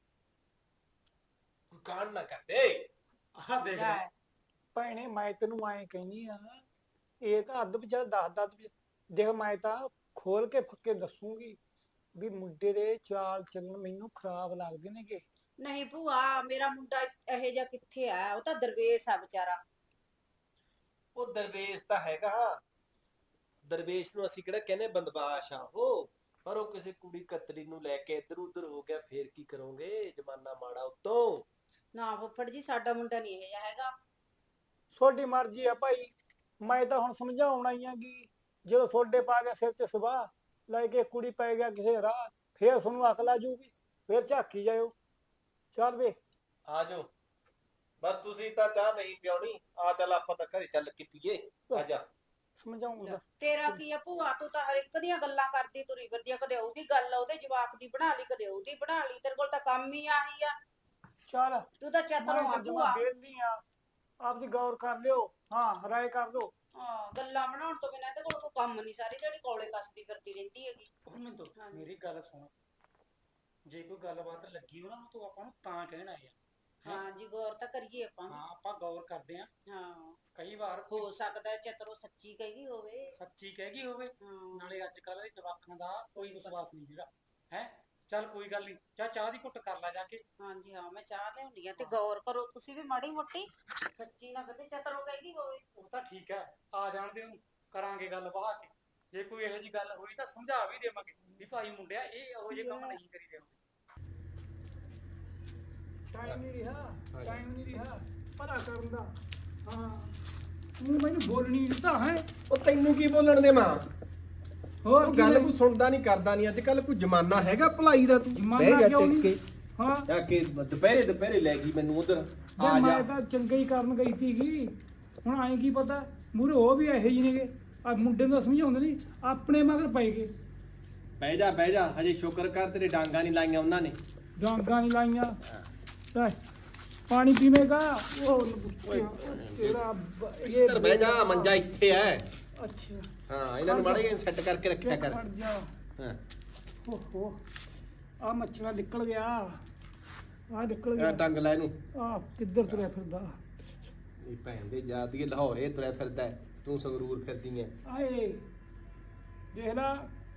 S8: ਕੋਈ ਕਾਂਡ ਨਾ ਕਰਦੇ।
S2: ਆਹ ਦੇਖ ਲੈ।
S3: ਭੈਣੇ ਮੈਂ ਤੈਨੂੰ ਐਂ ਕਹਿੰਦੀ ਆ, ਇਹ ਤਾਂ ਅੱਧ ਵਿਚਾਰ ਦੱਸਦਾ ਦੇਖ। ਮੈਂ ਤਾਂ ਖੋਲ ਕੇ ਫੱਕੇ ਦੱਸੂਗੀ ਵੀ ਮੁੰਡੇ ਦੇ ਚਾਲ ਚੱਲਣ ਮੈਨੂੰ ਖਰਾਬ ਲੱਗਦੇ ਨੇਗੇ।
S1: ਨਹੀਂ ਭੂਆ ਮੇਰਾ ਮੁੰਡਾ ਇਹੋ ਜਿਹਾ ਕਿੱਥੇ ਆ, ਉਹ ਤਾਂ ਦਰਵੇਸ਼ ਆ ਵਿਚਾਰਾ।
S8: ਉਹ ਦਰਵੇਸ਼ ਤਾਂ ਹੈਗਾ, ਦਰਵੇਸ਼ ਨੂੰ ਅਸੀਂ ਕਿਹੜਾ ਕਹਿੰਦੇ ਬੰਦਬਾਸ਼ ਆ ਉਹ, ਪਰ ਉਹ ਕਿਸੇ ਕੁੜੀ ਕਤਰੀ ਨੂੰ ਲੈ ਕੇ ਇੱਧਰ ਉੱਧਰ ਹੋ ਗਿਆ, ਫੇਰ ਕੀ ਕਰੋਗੇ, ਜ਼ਮਾਨਾ ਮਾੜਾ ਉੱਤੋਂ।
S1: ਨਾ ਫੁੱਫੜ ਜੀ ਸਾਡਾ ਮੁੰਡਾ ਨਹੀਂ ਇਹੋ ਜਿਹਾ ਹੈਗਾ।
S3: ਤੁਹਾਡੀ ਮਰਜ਼ੀ ਆ ਭਾਈ, ਮੈਂ ਤਾਂ ਹੁਣ ਸਮਝਾਉਣਾ ਹੀ ਆ ਕਿ ਜਦੋਂ ਤੁਹਾਡੇ ਪਾ ਕੇ ਸਿਰ 'ਚ ਸਵਾਹ ਲੈ ਕੇ ਕੁੜੀ ਪੈ ਗਿਆ ਕਿਸੇ ਰਾਹ, ਫੇਰ ਤੁਹਾਨੂੰ ਅਕਲ ਆ ਜੂਗੀ, ਫੇਰ ਝਾਕੀ ਜਾਇਓ। ਚੱਲ ਵੇ
S8: ਆ ਜਾਓ, ਬਸ ਤੁਸੀਂ ਤਾਂ ਚਾਹ ਨਹੀਂ ਪਿਉਣੀ, ਆ ਚੱਲ ਆਪਾਂ ਤਾਂ ਘਰੇ ਚੱਲ ਕੇ ਪੀਏ, ਆ ਜਾ।
S3: ਸਮਝਾਉਂਗਾ।
S1: ਤੇਰਾ ਕੀ ਆ ਭੂਆ, ਤੂੰ ਤਾਂ ਹਰ ਇੱਕ ਦੀਆਂ ਗੱਲਾਂ ਕਰਦੀ ਤੁਰੀ ਫਿਰਦੀ ਆ, ਕਦੇ ਉਹਦੀ ਗੱਲ ਉਹਦੇ ਜਵਾਕ ਦੀ ਬਣਾ ਲਈ, ਕਦੇ ਉਹਦੀ ਬਣਾ ਲਈ, ਤੇਰੇ ਕੋਲ ਤਾਂ ਕੰਮ ਹੀ ਆਹੀ ਆ।
S3: ਚੱਲ
S1: ਤੂੰ ਤਾਂ ਚਤਰੋਂ ਆ ਭੂਆ।
S3: ਬੇਲੀ ਆ, ਆਪਦੀ ਗੌਰ ਕਰ ਲਿਓ, ਹਾਂ ਰਾਏ ਕਰ ਲਓ।
S1: ਹਾਂ ਗੱਲਾਂ ਬਣਾਉਣ ਤੋਂ ਬਿਨਾਂ ਤੇ ਕੋਲ ਕੋਈ ਕੰਮ ਨਹੀਂ, ਸਾਰੀ ਜਿਹੜੀ ਕੋਲੇ ਕੱਸਦੀ ਫਿਰਦੀ ਰਹਿੰਦੀ ਹੈਗੀ।
S4: ਮਿੰਦੋ ਮੇਰੀ ਗੱਲ ਸੁਣ, ਜੇ ਕੋਈ ਗੱਲਬਾਤ ਲੱਗੀ ਹੋ ਨਾ ਤੂੰ ਆਪਾਂ ਨੂੰ ਤਾਂ ਕਹਿਣਾ ਹੈ।
S1: ਹਾਂ ਜੀ ਗੌਰ ਤਾਂ ਕਰੀਏ ਆਪਾਂ।
S4: ਹਾਂ ਆਪਾਂ ਗੌਰ ਕਰਦੇ ਆਂ,
S1: ਹਾਂ
S4: ਕਈ ਵਾਰ
S1: ਹੋ ਸਕਦਾ ਚਤਰੋਂ ਸੱਚੀ ਕਹੀ ਹੋਵੇ।
S4: ਸੱਚੀ ਕਹਿ ਗਈ ਹੋਵੇ,
S1: ਹਾਂ
S4: ਨਾਲੇ ਅੱਜ ਕੱਲ੍ਹ ਦੇ ਜਵਾਕਾਂ ਦਾ ਕੋਈ ਵਿਸ਼ਵਾਸ ਨਹੀਂ ਹੈਗਾ ਹੈ। ਚੱਲ ਕੋਈ ਗੱਲ ਨਹੀਂ, ਚਾਹ ਦੀ ਘੁੱਟ ਕਰ ਲੈ ਜਾ ਕੇ।
S1: ਹਾਂਜੀ ਹਾਂ ਮੈਂ ਚਾਹ ਲਿਆਉਂਦੀ ਆ, ਤੇ ਗੌਰ ਕਰੋ ਤੁਸੀਂ ਵੀ ਮਾੜੀ ਮੋਟੀ, ਸੱਚੀ ਨਾ ਕਦੇ ਚਤਰੋਂ ਕਹੀ ਹੋਵੇ।
S4: ਉਹ ਤਾਂ ਠੀਕ ਹੈ, ਆ ਜਾਣ ਦੇ ਉਹਨੂੰ, ਕਰਾਂਗੇ ਗੱਲ ਬਾਹਰ ਕੇ। ਜੇ ਕੋਈ ਇਹੋ ਜਿਹੀ ਗੱਲ ਹੋਈ ਤਾਂ ਸਮਝਾ ਵੀ ਦੇਵਾਂਗੇ ਵੀ ਭਾਈ ਮੁੰਡਿਆ ਇਹ ਇਹੋ ਜਿਹੇ ਕੰਮ ਨਹੀਂ ਕਰੀਦੇ ਹੁੰਦੇ।
S3: ਟਾਈਮ ਨਹੀਂ ਰਿਹਾ ਭਲਾ ਕਰਨ ਦਾ। ਹਾਂ ਤੂੰ ਮੈਨੂੰ ਬੋਲਣੀ ਦਿੱਤਾ ਹੈ।
S8: ਉਹ ਤੈਨੂੰ ਕੀ ਬੋਲਣ ਦੇ ਮਾਂ,
S3: ਹੋਰ
S8: ਤੂੰ ਗੱਲ ਕੋਈ ਸੁਣਦਾ ਨਹੀਂ ਕਰਦਾ ਨਹੀਂ, ਅੱਜ ਕੱਲ ਕੋਈ ਜ਼ਮਾਨਾ ਹੈਗਾ ਭਲਾਈ ਦਾ, ਤੂੰ
S3: ਜ਼ਮਾਨਾ
S8: ਬਹਿ ਗਿਆ
S3: ਕਿਉਂ
S8: ਟਿਕ ਕੇ,
S3: ਹਾਂ
S8: ਜਾ ਕੇ ਦੁਪਹਿਰੇ ਲੈ ਗਈ ਮੈਨੂੰ ਉਧਰ, ਆ
S3: ਮੈਂ
S8: ਜਾ।
S3: ਤਾਂ ਚੰਗਾ ਹੀ ਕਰਨ ਗਈ ਸੀਗੀ, ਹੁਣ ਆਏ ਕੀ ਪਤਾ ਮੂਰੇ ਉਹ ਵੀ ਇਹੋ ਜਿਹੇ ਨੇਗੇ। ਆ ਮੁੰਡੇ ਨੂੰ ਤਾਂ ਸਮਝਾਉਂਦੇ ਨਹੀਂ, ਆਪਣੇ ਮਗਰ ਪੈ ਗਏ।
S8: ਬਹਿ ਜਾ, ਹਜੇ ਸ਼ੁਕਰ ਕਰ ਤੇਰੇ ਡਾਂਗਾ ਨਹੀਂ ਲਾਈਆਂ ਉਹਨਾਂ ਨੇ।
S3: ਡਾਂਗਾਂ ਨਹੀਂ ਲਾਈਆਂ ਲੈ, ਪਾਣੀ ਪੀਵੇਗਾ ਉਹ ਤੇਰਾ ਇਹ
S8: ਇੱਧਰ ਬਹਿ ਜਾ, ਮੰਜਾ ਇੱਥੇ ਐ।
S3: ਅੱਛਾ
S8: ਹਾਂ ਇਹਨਾਂ ਨੂੰ ਮਾੜੇ ਸੈੱਟ ਕਰਕੇ ਰੱਖਿਆ ਕਰ।
S3: ਖੜ ਜਾ।
S8: ਹਾਂ
S3: ਓਹੋ ਆ ਮੱਛਰਾ ਨਿਕਲ ਗਿਆ, ਆ ਨਿਕਲ
S8: ਇਹ
S3: ਗਿਆ।
S8: ਟੰਗ ਲੈ ਇਹਨੂੰ।
S3: ਆ ਕਿੱਧਰ ਤੁਰਿਆ ਫਿਰਦਾ?
S8: ਇਹ ਭੈਣ ਦੇ ਜਾਦੀ ਲਾਹੌਰੇ ਤੁਰਿਆ ਫਿਰਦਾ ਹੈ, ਤੂੰ ਸੰਗਰੂਰ ਫਿਰਦੀ ਐ।
S3: ਆਏ ਦੇਖ ਲਾ,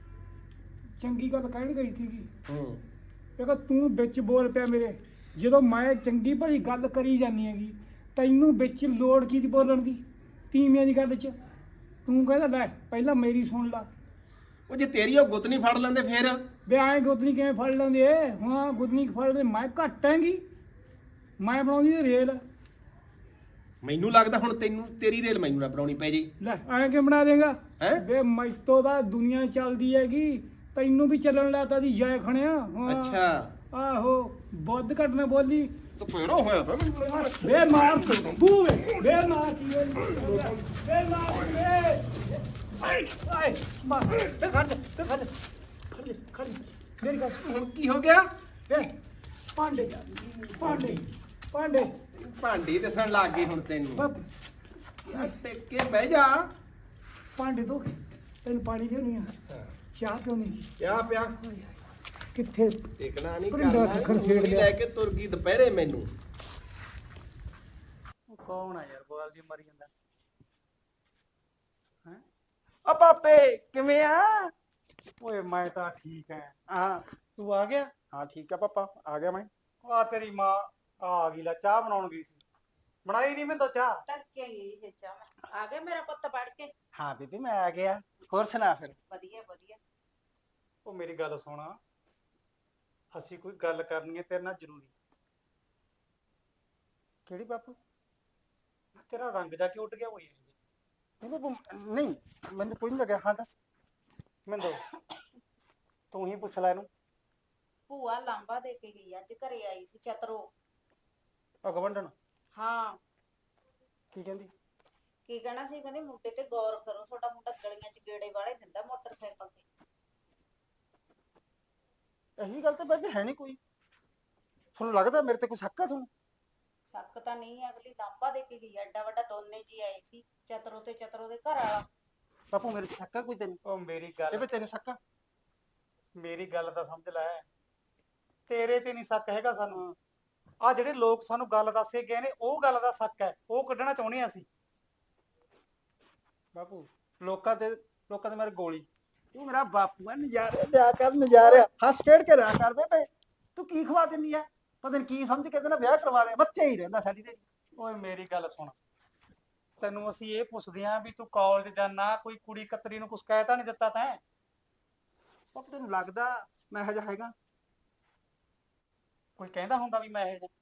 S3: ਚੰਗੀ ਗੱਲ ਕਹਿਣ ਗਈ ਸੀਗੀ,
S8: ਹੂੰ
S3: ਦੇਖੋ ਤੂੰ ਵਿੱਚ ਬੋਲ ਪਿਆ ਮੇਰੇ, ਜਦੋਂ ਮੈਂ ਚੰਗੀ ਭਲੀ ਗੱਲ ਕਰੀ ਜਾਂਦੀ ਹੈਗੀ, ਤੈਨੂੰ ਵਿੱਚ ਲੋੜ ਕੀ ਦੀ ਬੋਲਣ ਦੀ? ਤੀਵੀਆਂ ਦੀ ਗੱਲ 'ਚ ਤੂੰ ਕਹਿੰਦਾ ਲੈ ਪਹਿਲਾਂ ਮੇਰੀ ਸੁਣ ਲਾ।
S8: ਉਹ ਜੇ ਤੇਰੀ ਉਹ ਗੁੱਤ ਨਹੀਂ ਫੜ ਲੈਂਦੇ ਫੇਰ?
S3: ਵੇ ਐਂ ਗੁੱਦਨੀ ਕਿਵੇਂ ਫੜ ਲੈਂਦੇ? ਹਾਂ ਗੁੱਦਨੀ ਫੜ ਲੈਂਦੇ, ਮੈਂ ਘੱਟ ਹੈਗੀ, ਮੈਂ ਬਣਾਉਂਦੀ ਰੇਲ।
S8: ਮੈਨੂੰ ਲੱਗਦਾ ਹੁਣ ਤੈਨੂੰ ਤੇਰੀ ਰੇਲ ਮੈਨੂੰ ਨਾ ਬਣਾਉਣੀ ਪੈ ਜੇ।
S3: ਲੈ ਐਂ ਕਿ ਬਣਾ ਦੇਗਾ?
S8: ਹੈਂ?
S3: ਵੇ ਮੈਤੋਂ ਦਾ ਦੁਨੀਆ ਚੱਲਦੀ ਹੈਗੀ, ਤੈਨੂੰ ਵੀ ਚੱਲਣ ਲਾਤਾ ਦੀ ਜੈ ਖਣਿਆ। ਹਾਂ।
S8: ਅੱਛਾ
S3: ਆਹੋ ਵੱਧ ਘੱਟ ਨਾ ਬੋਲੀ।
S8: ਤੂੰ ਫੇਰੋ ਹੋਇਆ ਪਿਆ
S3: ਵੇ ਮਾਰ ਤੂੰ, ਵੇ ਮਾਰ ਕੀ ਵੇ ਮਾਰ ਵੇ ਆਏ ਮਾਰ ਤੇ ਖੜ ਮੇਰੀ ਗੱਲ
S8: ਹੁਣ ਕੀ ਹੋ ਗਿਆ?
S3: ਵੇ ਪਾਂਡੇ ਪਾਂਡੇ ਪਾਂਡੇ
S8: ਭਾਂਡੀ ਦੱਸਣ ਲੱਗ ਗਈ ਹੁਣ ਤੈਨੂੰ।
S3: ਬੱਬ
S8: ਯਾਰ ਟਿਕ ਕੇ ਬਹਿ ਜਾ।
S3: ਪਾਂਡੇ ਤੋਂ ਤੈਨੂੰ ਪਾਣੀ ਦੇਣੀ ਆ, ਚਾਹ ਪਿਉਣੀ
S8: ਕਿਆ ਪਿਆ?
S3: ਕਿੱਥੇ?
S8: ਟਿਕਣਾ ਨਹੀਂ
S3: ਭਰਿੰਡਾ
S8: ਕਰਨਾ,
S3: ਖੱਖਰ
S8: ਊਂ
S3: ਛੇੜ
S8: ਹੀ
S3: ਲਿਆ।
S8: ਲੈ ਕੇ ਤੁਰ ਗਈ ਦੁਪਹਿਰੇ ਮੈਨੂੰ।
S4: ਕੌਣ ਆ ਯਾਰ ਬੋਲ ਜੀ ਮਰੀ ਜਾਂਦਾ ਹੈ?
S2: ਆ ਪਾਪੇ ਕਿਵੇਂ ਆ?
S3: ਓਏ ਮੈਂ ਤਾਂ ਠੀਕ ਐ।
S2: ਹਾਂ
S4: ਤੂੰ ਆ ਗਿਆ?
S2: ਹਾਂ ਠੀਕ ਆ ਪਾਪਾ, ਆ ਗਿਆ ਮੈਂ।
S4: ਆ ਤੇਰੀ ਮਾਂ ਆ ਗਈ, ਲੈ ਚਾਹ ਬਣਾਉਣ ਗਈ ਸੀ, ਬਣਾਈ ਨਹੀਂ ਮੈਂ ਤਾਂ ਚਾਹ।
S1: ਤੜਕੇ ਹੀ ਚਾਹ ਮੈਂ ਆ ਗਿਆ, ਮੇਰਾ ਪੁੱਤ ਪੜ ਕੇ।
S2: ਹਾਂ ਬੀਬੀ ਮੈਂ ਆ ਗਿਆ, ਹੋਰ ਸੁਣਾ ਫਿਰ।
S1: ਵਧੀਆ ਵਧੀਆ।
S4: ਉਹ ਮੇਰੀ ਗੱਲ ਸੁਣ, ਅਸੀਂ ਕੋਈ ਗੱਲ ਕਰਨੀ ਹੈ ਤੇਰੇ ਨਾਲ ਜ਼ਰੂਰੀ।
S2: ਕਿਹੜੀ ਬਾਪੂ?
S4: ਤੇਰਾ ਰੰਗ ਜਾ ਕੇ ਉੱਡ ਗਿਆ ਹੋਈ
S2: ਨਹੀਂ ਮੈਨੂੰ ਕੋਈ ਨਹੀਂ ਲੱਗਿਆ। ਹਾਂ ਦੱਸ।
S4: ਮਿੰਦੋ, ਤੂੰ ਹੀ ਪੁੱਛ ਲੈ ਇਹਨੂੰ।
S1: ਭੂਆ ਲਾਂਬਾ ਦੇ ਕੇ ਗਈ, ਅੱਜ ਘਰੇ ਆਈ ਸੀ ਚਤਰੋ।
S4: ਗਵੰਡਣ
S1: ਹਾਂ
S2: ਕੀ ਕਹਿੰਦੀ?
S1: ਕੀ ਕਹਿਣਾ ਸੀ, ਕਹਿੰਦੀ ਮੁੰਡੇ ਤੇ ਗੌਰ ਕਰੋ, ਤੁਹਾਡਾ ਮੁੰਡਾ ਗਲੀਆਂ 'ਚ ਗੇੜੇ ਵਾਲੇ ਦਿੰਦਾ ਮੋਟਰਸਾਈਕਲ ਤੇ।
S2: ਇਹੀ ਗੱਲ ਤੇ ਬੇਬੇ ਹੈ ਨਹੀਂ ਕੋਈ? ਤੁਹਾਨੂੰ ਲੱਗਦਾ ਮੇਰੇ ਤੇ ਕੋਈ ਸ਼ੱਕ ਆ ਤੁਹਾਨੂੰ?
S1: ਸ਼ੱਕ ਤਾਂ ਨਹੀਂ ਹੈ, ਅਗਲੀ ਲਾਂਬਾ ਦੇ ਕੇ ਗਈ, ਐਡਾ ਵੱਡਾ ਦੋਨੇ ਜੀ ਆਏ ਸੀ, ਚਤਰੋ ਤੇ ਚਤਰੋ ਦੇ ਘਰ ਵਾਲਾ।
S2: ਬਾਪੂ ਮੇਰੇ ਤੇ ਸ਼ੱਕ ਆ ਕੋਈ ਤੈਨੂੰ?
S4: ਉਹ ਮੇਰੀ ਗੱਲ,
S2: ਬੇਬੇ ਤੈਨੂੰ ਸ਼ੱਕ ਆ?
S4: ਮੇਰੀ ਗੱਲ ਤਾਂ ਸਮਝ ਲੈ, ਤੇਰੇ ਤੇ ਨਹੀਂ ਸ਼ੱਕ ਹੈਗਾ ਸਾਨੂੰ। ਆ ਜਿਹੜੇ ਲੋਕ ਸਾਨੂੰ ਗੱਲ ਦੱਸੇ ਗਏ ਨੇ, ਉਹ ਗੱਲ ਦਾ ਸ਼ੱਕ ਹੈ, ਉਹ ਕੱਢਣਾ ਚਾਹੁੰਦੇ ਹਾਂ ਅਸੀਂ।
S2: ਬਾਪੂ ਲੋਕਾਂ ਤੇ ਮੇਰੇ ਗੋਲੀ। ਤੂੰ ਮੇਰਾ ਬਾਪੂ ਆ, ਨਜ਼ਾਰੇ ਲਿਆ ਕਰ ਨਜ਼ਾਰੇ, ਹੱਸ ਖੇਡ ਕੇ ਰਿਹਾ ਕਰ ਬੇਬੇ। ਤੂੰ ਕੀ ਖਵਾ ਦਿੰਨੀ ਆ? ਪਤਾ ਨੀ ਕੀ ਸਮਝ ਕੇ ਇਹਦੇ ਨਾਲ ਵਿਆਹ ਕਰਵਾ ਲਿਆ, ਬੱਚੇ ਹੀ ਰਹਿੰਦਾ ਸਾਡੀ ਤੇ।
S3: ਓਏ ਮੇਰੀ ਗੱਲ ਸੁਣ, ਤੈਨੂੰ ਅਸੀਂ ਇਹ ਪੁੱਛਦੇ ਆਂ ਵੀ ਤੂੰ ਕਾਲਜ ਜਾਣਾ, ਕੋਈ ਕੁੜੀ ਕਤਰੀ ਨੂੰ ਕੁਛ ਕਹਿ ਤਾਂ ਨਹੀਂ ਦਿੱਤਾ ਤੈਂ?
S2: ਬਾਪੂ ਤੈਨੂੰ ਲੱਗਦਾ ਮੈਂ ਇਹੋ ਜਿਹਾ ਹੈਗਾ?
S3: ਕੋਈ ਕਹਿੰਦਾ ਹੁੰਦਾ ਵੀ ਮੈਂ ਇਹ ਜਿਹਾ?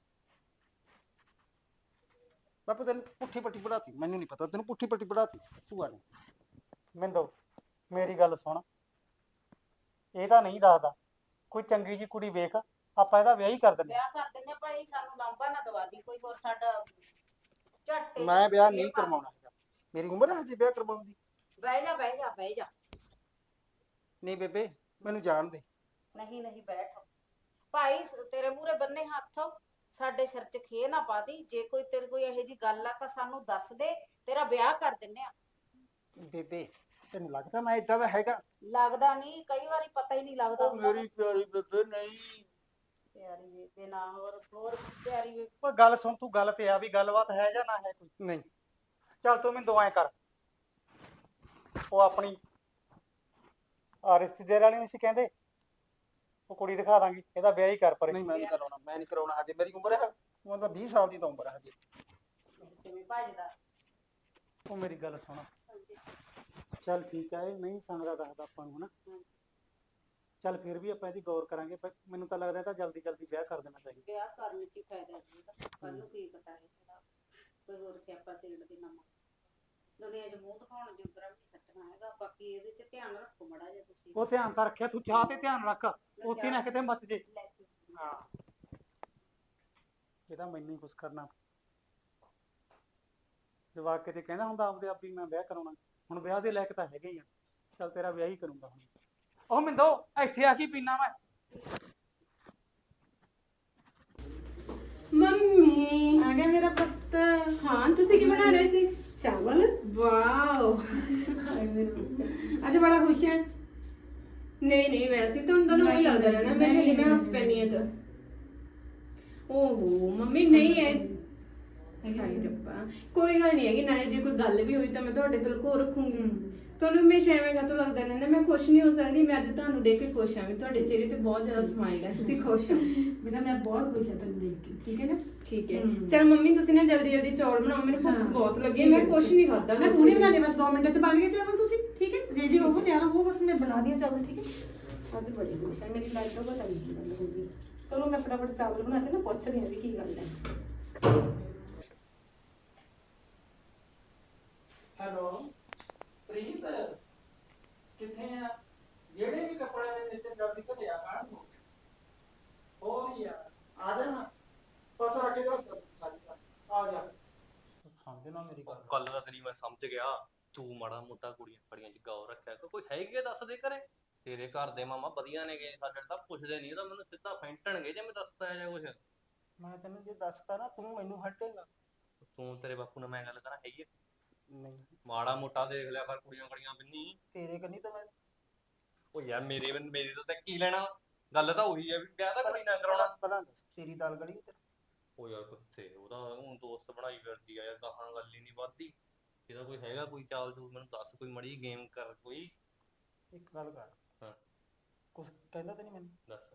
S2: ਬਾਪੂ ਤੈਨੂੰ ਪੁੱਠੀ ਪੱਟੀ ਪੜਾਤੀ, ਮੈਨੂੰ ਨਹੀਂ ਪਤਾ, ਤੈਨੂੰ ਪੁੱਠੀ ਪੱਟੀ ਪੜਾਤੀ ਭੂਆ ਨੇ।
S3: ਮਿੰਦੋ ਮੇਰੀ ਗੱਲ ਸੁਣ, ਇਹ ਤਾਂ ਨਹੀਂ ਦੱਸਦਾ, ਕੋਈ ਚੰਗੀ ਜੀ ਕੁੜੀ ਵੇਖ, ਆਪਾਂ ਇਹਦਾ ਵਿਆਹ ਹੀ ਕਰ ਦਿੰਦੇ।
S1: ਵਿਆਹ ਕਰ ਦਿੰਦੇ ਭਾਈ, ਸਾਨੂੰ ਲਾਂਭਾ ਨਾ ਦਵਾ ਦੀ ਕੋਈ ਹੋਰ, ਸਾਡਾ ਝੱਟੇ
S2: ਮੈਂ ਵਿਆਹ ਨਹੀਂ ਕਰਵਾਉਣਾ ਹੈਗਾ, ਮੇਰੀ ਉਮਰ ਹੈ ਹਜੇ ਵਿਆਹ ਕਰਵਾਉਣ ਦੀ।
S1: ਬਹਿ ਜਾ ਬਹਿ ਜਾ ਬਹਿ ਜਾ।
S2: ਨਹੀਂ ਬੇਬੇ ਮੈਨੂੰ ਜਾਣ ਦੇ।
S1: ਨਹੀਂ ਨਹੀਂ ਬੈਠ ਭਾਈ, ਤੇਰੇ ਮੂਹਰੇ ਬੰਨੇ ਹੱਥ, ਸਾਡੇ ਸਿਰ 'ਚ ਖੇ ਨਾ ਪਾ ਦੀ। ਜੇ ਕੋਈ ਤੇਰੇ ਕੋਈ ਇਹੋ ਜੀ ਗੱਲ ਆ ਤਾਂ ਸਾਨੂੰ ਦੱਸ ਦੇ, ਤੇਰਾ ਵਿਆਹ ਕਰ ਦਿੰਨੇ ਆ।
S2: ਬੇਬੇ ਤੈਨੂੰ ਲੱਗਦਾ ਮੈਂ ਇਦਾਂ ਦਾ ਹੈਗਾ?
S1: ਲੱਗਦਾ ਨਹੀਂ, ਕਈ ਵਾਰੀ ਪਤਾ ਹੀ ਨਹੀਂ ਲੱਗਦਾ ਹੁੰਦਾ।
S2: ਮੇਰੀ ਪਿਆਰੀ ਬੇਬੇ ਨਹੀਂ।
S1: ਪਿਆਰੀ ਬੇਬੇ ਨਾ, ਹੋਰ ਪਿਆਰੀ ਬੇਬੇ।
S3: ਓਏ ਗੱਲ ਸੁਣ, ਤੂੰ ਗੱਲ ਤੇ ਆ ਵੀ ਗੱਲਬਾਤ ਹੈ ਜਾਂ ਨਾ ਹੈ ਕੋਈ?
S2: ਨਹੀਂ
S3: ਚੱਲ ਤੂੰ ਮੈਨੂੰ ਦੁਆਏਂ ਕਰ, ਉਹ ਆਪਣੀ ਆ ਰਿਸ਼ਤੇਦਾਰ ਵਾਲੀ ਨਹੀਂ ਸੀ ਕਹਿੰਦੇ, ਉਹ ਕੁੜੀ ਦਿਖਾ ਦਾਂਗੀ, ਇਹਦਾ ਵਿਆਹ ਹੀ ਕਰ ਪਰੇ।
S2: ਨਹੀਂ ਮੈਂ ਨਹੀਂ ਕਰਾਉਣਾ, ਮੈਂ ਨਹੀਂ ਕਰਾਉਣਾ ਹਜੇ, ਮੇਰੀ ਉਮਰ ਹੈ ਮਤਲਬ 20 ਸਾਲ ਦੀ ਤਾਂ ਉਮਰ ਹੈ ਹਜੇ।
S1: ਕਿਵੇਂ ਭੱਜਦਾ?
S3: ਉਹ ਮੇਰੀ ਗੱਲ ਸੁਣ, ਚੱਲ ਠੀਕ ਹੈ, ਇਹ ਨਹੀਂ ਸੰਗਦਾ ਦੱਸਦਾ ਆਪਾਂ ਨੂੰ ਹਨਾ, ਚੱਲ ਫਿਰ ਵੀ ਆਪਾਂ ਇਹਦੀ ਗੌਰ ਕਰਾਂਗੇ, ਪਰ ਮੈਨੂੰ ਤਾਂ ਲੱਗਦਾ ਤਾਂ ਜਲਦੀ ਜਲਦੀ ਵਿਆਹ ਕਰ ਦੇਣਾ ਚਾਹੀਦਾ।
S1: ਵਿਆਹ ਕਰਨ 'ਚ ਹੀ ਫਾਇਦਾ ਜੀ, ਕੱਲ ਨੂੰ ਕੀ ਪਤਾ ਹੈ ਕੋਈ ਹੋਰ ਸਿਆਪਾ ਸੇੜ ਦੇ ਨਵਾਂ ਦੁਨੀਆ 'ਚ ਮੂੰਹ ਦਿਖਾਉਣ ਜੋਗਰਾ ਵੀ ਸੱਟਣਾ ਹੈਗਾ। ਬਾਕੀ ਇਹਦੇ 'ਚ ਧਿਆਨ ਰੱਖੋ ਮੜਾ ਜਿਹਾ ਤੁਸੀਂ।
S3: ਉਹ ਧਿਆਨ ਤਾਂ ਰੱਖਿਆ, ਤੂੰ ਚਾਹ ਤੇ ਧਿਆਨ ਰੱਖ, ਉੱਥੇ ਨਾ ਕਿਤੇ ਮੱਚ ਜੇ।
S1: ਲੈ ਕੇ
S3: ਹਾਂ ਇਹਦਾ ਮੈਨੂੰ ਹੀ ਕੁਛ ਕਰਨਾ। ਜਵਾਕ ਕਿਤੇ ਕਹਿੰਦਾ ਹੁੰਦਾ ਆਪਦੇ ਆਪ ਹੀ ਮੈਂ ਵਿਆਹ ਕਰਾਉਣਾ, ਹੁਣ ਵਿਆਹ ਦੇ ਲਾਇਕ ਤਾਂ ਹੈਗੇ ਹੀ ਆ, ਚੱਲ ਤੇਰਾ ਵਿਆਹ ਹੀ ਕਰੂੰਗਾ ਹੁਣ। ਉਹ ਮਿੰਦੋ ਇੱਥੇ ਆ ਕੀ ਪੀਣਾ ਮੈਂ?
S5: ਮੰਮੀ
S6: ਆ ਗਿਆ ਮੇਰਾ ਪੁੱਤ।
S5: ਹਾਂ, ਤੁਸੀਂ ਕੀ ਬਣਾ ਰਹੇ ਸੀ?
S6: ਚਾਵਲ।
S5: ਵਾਓ,
S6: ਅੱਜ ਬੜਾ ਖੁਸ਼ ਹੈ।
S5: ਨਹੀਂ ਨਹੀਂ, ਵੈਸੇ ਤੁਹਾਨੂੰ ਉਹੀ ਲੱਗਦਾ ਰਹਿੰਦਾ ਮੈਂ ਜਿਹੜੀ ਮੈਂ ਹੱਸ ਪੈਣੀ ਹੈ ਤਾਂ। ਓਹੋ ਮੰਮੀ, ਨਹੀਂ ਹੈ। ਹਾਏ ਰੱਬਾ, ਕੋਈ ਗੱਲ ਨਹੀਂ ਹੈਗੀ, ਨਾਲੇ ਜੇ ਕੋਈ ਗੱਲ ਵੀ ਹੋਈ ਤਾਂ ਮੈਂ ਤੁਹਾਡੇ ਤੋਂ ਲੁਕੋ ਰੱਖੂੰਗੀ। ਤੁਹਾਨੂੰ ਹਮੇਸ਼ਾ ਐਵੇਂ ਕਾਹਤੋਂ ਲੱਗਦਾ ਰਹਿੰਦਾ ਮੈਂ ਖੁਸ਼ ਨਹੀਂ ਹੋ ਸਕਦੀ? ਮੈਂ ਅੱਜ ਤੁਹਾਨੂੰ ਦੇਖ ਕੇ ਖੁਸ਼ ਹਾਂ ਵੀ ਤੁਹਾਡੇ ਚਿਹਰੇ ਤੇ ਬਹੁਤ ਜ਼ਿਆਦਾ ਸਮਾਈਲ ਹੈ, ਤੁਸੀਂ ਖੁਸ਼ ਹੋ।
S6: ਬੇਟਾ ਮੈਂ ਬਹੁਤ ਖੁਸ਼ ਹਾਂ ਤੈਨੂੰ ਦੇਖ ਕੇ, ਠੀਕ ਹੈ ਨਾ?
S5: ਠੀਕ ਹੈ, ਚਲ ਮੰਮੀ ਤੁਸੀਂ ਨਾ ਜਲਦੀ ਜਲਦੀ ਚੌਲ ਬਣਾਓ, ਮੈਨੂੰ ਭੁੱਖ ਬਹੁਤ ਲੱਗੀ ਹੈ, ਮੈਂ ਕੁਛ ਨਹੀਂ ਖਾਧਾ।
S6: ਮੈਂ ਹੁਣੇ ਬਣਾ ਦੇ, ਬਸ 2 ਮਿੰਟਾਂ 'ਚ ਬਣ ਗਏ ਚਾਵਲ, ਤੁਸੀਂ ਠੀਕ ਹੈ? ਰੈਡੀ ਹੋਵੋ, ਤਿਆਰ ਹੋਵੋ, ਬਸ ਮੈਂ ਬਣਾ ਦਿਆਂ ਚਾਵਲ, ਠੀਕ ਹੈ? ਅੱਜ ਬੜੀ ਖੁਸ਼ ਹੈ, ਮੇਰੀ ਲਾਈਫ ਤੋਂ ਪਤਾ ਨਹੀਂ ਕੀ ਗੱਲ ਹੋ ਗਈ। ਚਲੋ ਮੈਂ ਫਟਾਫਟ ਚਾਵਲ ਬਣਾ ਕੇ ਨਾ ਪੁੱਛਦੀ ਹਾਂ ਵੀ ਕੀ ਗੱਲ ਹੈ।
S2: ਹੈਲੋ ਪ੍ਰੀਤ, ਕਿੱਥੇ ਆ? ਜਿਹੜੇ ਵੀ ਕੱਪੜੇ ਦੇ ਨੀਚੇ ਜਲਦੀ ਘਰੇ ਆ ਕਾਣ ਨੂੰ ਹੋ ਹੀ ਆ ਜਾ ਨਾ, ਬਸ ਆ ਕੇ ਦੱਸ ਸਾਡੀ ਆ ਜਾ। ਸਮਝ ਨਾ ਮੇਰੀ ਗੱਲ।
S7: ਗੱਲ ਤਾਂ ਤੇਰੀ ਮੈਂ ਸਮਝ ਗਿਆ, ਤੂੰ ਮਾੜਾ ਮੋਟਾ ਕੁੜੀਆਂ ਫੜੀਆਂ ਚ ਗੌਰ ਰੱਖਿਆ ਕਰ। ਕੋਈ ਹੈਗੀ ਆ ਦੱਸ ਦੇ ਘਰੇ? ਤੇਰੇ ਘਰ ਦੇ ਮਾਮਾ ਵਧੀਆ ਨੇਗੇ, ਸਾਡੇ ਤਾਂ ਪੁੱਛਦੇ ਨਹੀਂ, ਤਾਂ ਮੈਨੂੰ ਸਿੱਧਾ ਫੈਂਟਣਗੇ ਜੇ ਮੈਂ ਦੱਸਦਾ ਜਾਂ ਕੁਛ।
S2: ਮੈਂ ਤੈਨੂੰ ਜੇ ਦੱਸਤਾ ਨਾ ਤੂੰ ਮੈਨੂੰ ਹਟੇਗਾ।
S7: ਤੂੰ ਤੇਰੇ ਬਾਪੂ ਨਾਲ ਮੈਂ ਗੱਲ ਕਰਾਂ, ਹੈਗੀ ਆ?
S2: ਨਹੀਂ
S7: ਮਾੜਾ ਮੋਟਾ ਦੇਖ ਲਿਆ ਕਰ ਕੁੜੀਆਂ ਕੜੀਆਂ ਬਿੰਨੀ।
S2: ਤੇਰੇ ਕੰਨੀ ਤਾਂ ਮੈਂ
S7: ਉਹ ਯਾਰ ਮੇਰੇ ਤੋਂ ਤਾਂ ਕੀ ਲੈਣਾ? ਗੱਲ ਤਾਂ ਉਹੀ ਹੈ ਵੀ ਵਿਆਹ ਤਾਂ ਕੁੜੀ ਨਾ ਕਰਾਉਣਾ।
S2: ਪਹਿਲਾਂ ਦੱਸ ਤੇਰੀ ਦਾਲ ਗੜੀ ਤੇ।
S7: ਉਹ ਯਾਰ ਕਿੱਥੇ, ਉਹਦਾ ਹੁਣ ਦੋਸਤ ਬਣਾਈ ਫਿਰਦੀ ਆ ਯਾਰ, ਗਾਹਾਂ ਗੱਲ ਹੀ ਨਹੀਂ ਵੱਧਦੀ। ਇਹਦਾ ਕੋਈ ਹੈਗਾ ਕੋਈ ਚਾਲ ਚੂਲ ਮੈਨੂੰ ਦੱਸ, ਕੋਈ ਮੜੀ ਗੇਮ ਕਰ ਕੋਈ।
S2: ਇੱਕ ਗੱਲ ਕਰ।
S7: ਹਾਂ
S2: ਕੁਛ ਕਹਿੰਦਾ ਤਾਂ ਨਹੀਂ ਮੈਨੂੰ?
S7: ਦੱਸ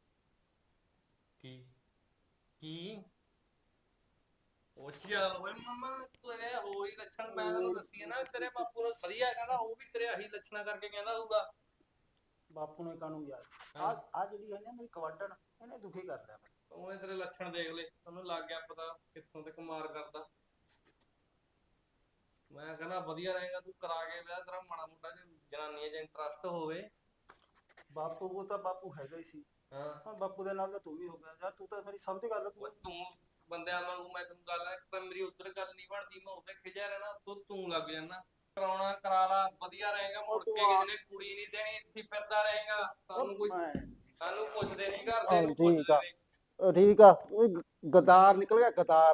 S7: ਕੀ ਕੀ? ਉਹ ਚੱਲ ਓਏ ਮਮਾ, ਤੇਰੇ ਹੋਈ ਲੱਛਣ ਮੈਂ ਤੈਨੂੰ ਦੱਸੀ ਨਾ, ਤੇਰੇ ਬਾਪੂ ਨੂੰ ਵਧੀਆ ਕਹਿੰਦਾ, ਉਹ ਵੀ ਤੇਰੇ ਆਹੀ ਲੱਛਣਾ ਕਰਕੇ ਕਹਿੰਦਾ ਹੋਊਗਾ।
S2: ਬਾਪੂ ਨੇ ਕਾਹਨੂੰ ਯਾਰ, ਆ ਜਿਹੜੀ ਹੈ ਨਾ ਮੇਰੀ ਕਵਾਟਣ, ਇਹਨੇ ਦੁਖੀ ਕਰਦਾ ਮੈਨੂੰ।
S7: ਉਹਨੇ ਤੇਰੇ ਲੱਛਣ ਦੇਖ ਲਏ, ਉਹਨੂੰ ਲੱਗ ਗਿਆ ਪਤਾ ਕਿੱਥੋਂ ਤੱਕ ਮਾਰ ਕਰਦਾ। ਮੈਂ ਕਹਿੰਦਾ ਵਧੀਆ ਰਹੇਗਾ ਤੂੰ ਕਰਾ ਕੇ ਵਿਆਹ, ਤੇਰਾ ਮਾੜਾ ਮੋਟਾ ਜਨਾਨੀਆਂ 'ਚ ਇੰਟਰਸਟ ਹੋਵੇ।
S2: ਬਾਪੂ ਉਹ ਤਾਂ ਬਾਪੂ ਹੈਗਾ ਹੀ ਸੀ,
S7: ਹਾਂ
S2: ਬਾਪੂ ਦੇ ਨਾਲ ਤਾਂ ਤੂੰ ਵੀ ਹੋ ਗਿਆ ਯਾਰ, ਤੂੰ ਤਾਂ ਮੇਰੀ ਸਮਝ ਗੱਲ।
S7: ਤੂੰ ਬੰਦਿਆਂ ਵਾਂਗੂ, ਮੈਂ ਤੈਨੂੰ ਗੱਲ ਹੈ, ਇੱਕ ਤਾਂ ਮੇਰੀ ਉੱਧਰ ਗੱਲ ਨਹੀਂ ਬਣਦੀ, ਮੈਂ ਉੱਧਰ ਖਿਜਿਆ ਰਹਿਣਾ, ਤੂੰ ਲੱਗ ਜਾਣਾ। ਕਰਾਉਣਾ ਕਰਾ ਲਾ, ਵਧੀਆ ਰਹੇਗਾ, ਮੁੜ ਕੇ ਕਿਸੇ ਨੇ ਕੁੜੀ ਨਹੀਂ ਦੇਣੀ, ਇੱਥੇ ਫਿਰਦਾ ਰਹੇਗਾ। ਸਾਨੂੰ ਪੁੱਛਦੇ ਨਹੀਂ ਘਰ ਦੇ,
S2: ਠੀਕ ਆ ਠੀਕ ਆ, ਗਦਾਰ ਨਿਕਲ ਗਿਆ ਗਦਾਰ।